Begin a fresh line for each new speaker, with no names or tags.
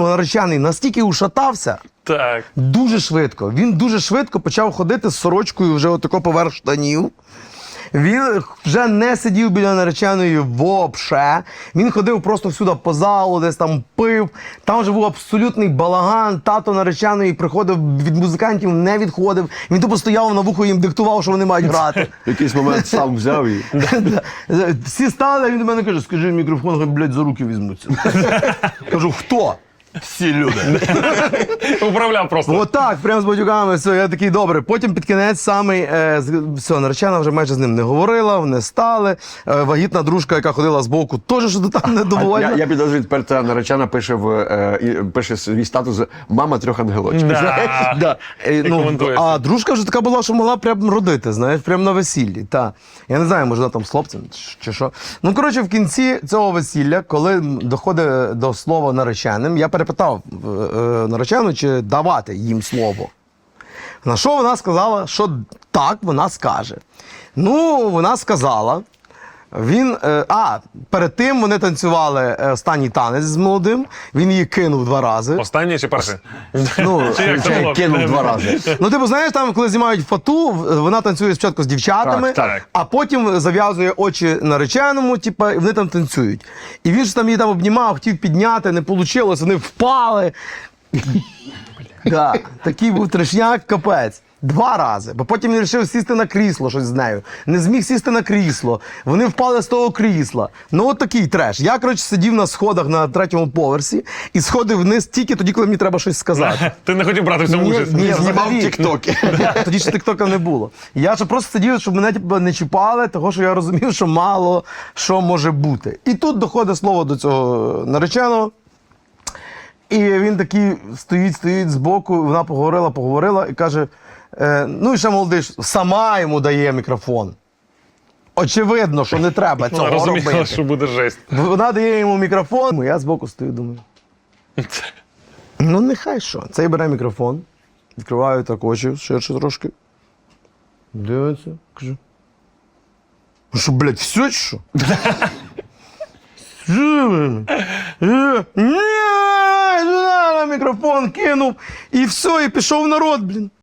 наречений настільки ушатався,
Так.
дуже швидко. Він дуже швидко почав ходити з сорочкою вже отако поверх штанів. Він вже не сидів біля нареченої вообще. Він ходив просто всюди по залу, десь там пив. Там вже був абсолютний балаган. Тато нареченої приходив від музикантів, не відходив. Він тупо стояв на вухо, їм диктував, що вони мають грати.
В якийсь момент сам взяв і...
Всі стали, він до мене каже, скажи мікрофон, хай, блядь, за руки візьмуться. Кажу, хто? Всі люди.
Управляв просто.
Отак, прямо з батюками, все, я такий, добре. Потім під кінець самий, все, наречена вже майже з ним не говорила, вони стали. Вагітна дружка, яка ходила збоку, теж що там недовольна.
Я підозрюю, тепер ця наречена пише свій статус «Мама трьох ангелочків».
Да.
коментуєш.
А дружка вже така була, що могла прям родити, знаєш, прямо на весіллі. Та. Я не знаю, може вона там з хлопцем чи що. Ну, коротше, в кінці цього весілля, коли доходить до слова нареченим, я перепитав наречену, чи давати їм слово. На що вона сказала, що так, вона скаже. Ну, вона сказала. Перед тим вони танцювали останній танець з молодим, він її кинув 2 рази.
Останній чи перший?
Ну,
Чи як це було?
Кинув 2 рази.
Ну, типу, знаєш, там, коли знімають фату, вона танцює спочатку з дівчатами,
Так.
а потім зав'язує очі нареченому, типу, і вони там танцюють. І він ж там її там обнімав, хотів підняти, не вийшло, вони впали. Да, такий був трешняк, капець. 2 рази. Бо потім він вирішив сісти на крісло, щось з нею. Не зміг сісти на крісло. Вони впали з того крісла. Ну, от такий треш. Я, коротше, сидів на сходах на 3-му поверсі і сходив вниз тільки тоді, коли мені треба щось сказати.
Ти не хотів брати в цьому участь?
Знімав
взагалі.
тіктоки.
Тоді ще тіктока не було. Я ж просто сидів, щоб мене типу, не чіпали, тому що я розумів, що мало що може бути. І тут доходить слово до цього нареченого. І він такий стоїть збоку, вона поговорила і каже, ну і ще молодий, сама йому дає мікрофон. Очевидно, що не треба цього
Розуміла,
робити.
що буде жесть.
Вона дає йому мікрофон, я збоку стою, думаю. Ну, нехай що. Цей бере мікрофон, відкриваю так очі ширше трошки. Дивиться, кажу. Ну що, блядь, все чи що? Ні, мікрофон кинув, і все, і пішов народ, блін.